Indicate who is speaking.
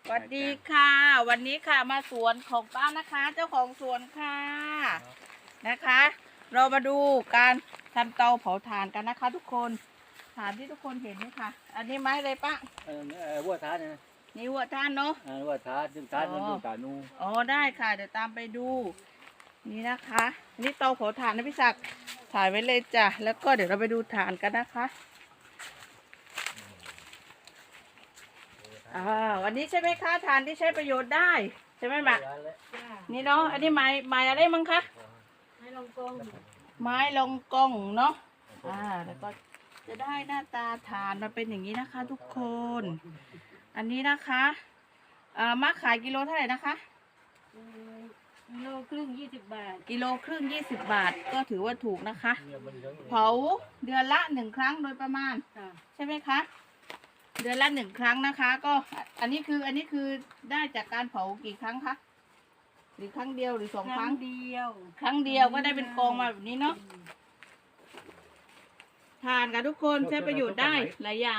Speaker 1: สวัสดีค่ะ วันนี้ค่ะมาสวนของป้านะคะ เจ้าของสวนค่ะนะคะ เรามาดูการทำเตาเผาถ่านกันนะคะ ทุกคนถ่านที่ทุกคนเห็นนี่ค่ะ อันนี้ไม้อะไรป้า
Speaker 2: วัวท้าเนี่ย
Speaker 1: นี่วัวท่านเนาะ
Speaker 2: วัวท้าซึ่งท้ามันอยู่ตานู
Speaker 1: อ๋อได้ค่ะเดี๋ยวตามไปดูนี่นะคะนี่เตาเผาถ่านนะพี่ศักดิ์ถ่ายไว้เลยจ้ะแล้วก็เดี๋ยวเราไปดูถ่านกันนะคะวันนี้ใช่ไหมคะถ่านที่ใช้ประโยชน์ได้ใช่ไหมหมะนี่เนาะอันนี้ไม้อะไรมั้งคะไม้ลงกงเนาะแล้วก็จะได้หน้าตาถ่านมาเป็นอย่างนี้นะคะ ทุกคนอันนี้นะคะมาขายกิโลเท่าไหร่นะคะ
Speaker 3: กิโลครึ่ง20 บาท
Speaker 1: กิโลครึ่ง20 บาทก็ถือว่าถูกนะคะเผาเดือนละ1 ครั้งโดยประมาณใช่ไหมคะเดือนละ1 ครั้งนะคะก็อันนี้คือได้จากการเผากี่ครั้งคะหรือครั้งเดียวหรือ2 ครั้ง
Speaker 3: เดียว
Speaker 1: ครั้งเดียวก็ได้เป็นกองมาแบบนี้เนาะทานกันทุกคนใช้ประโยชน์ได้หลายอย่าง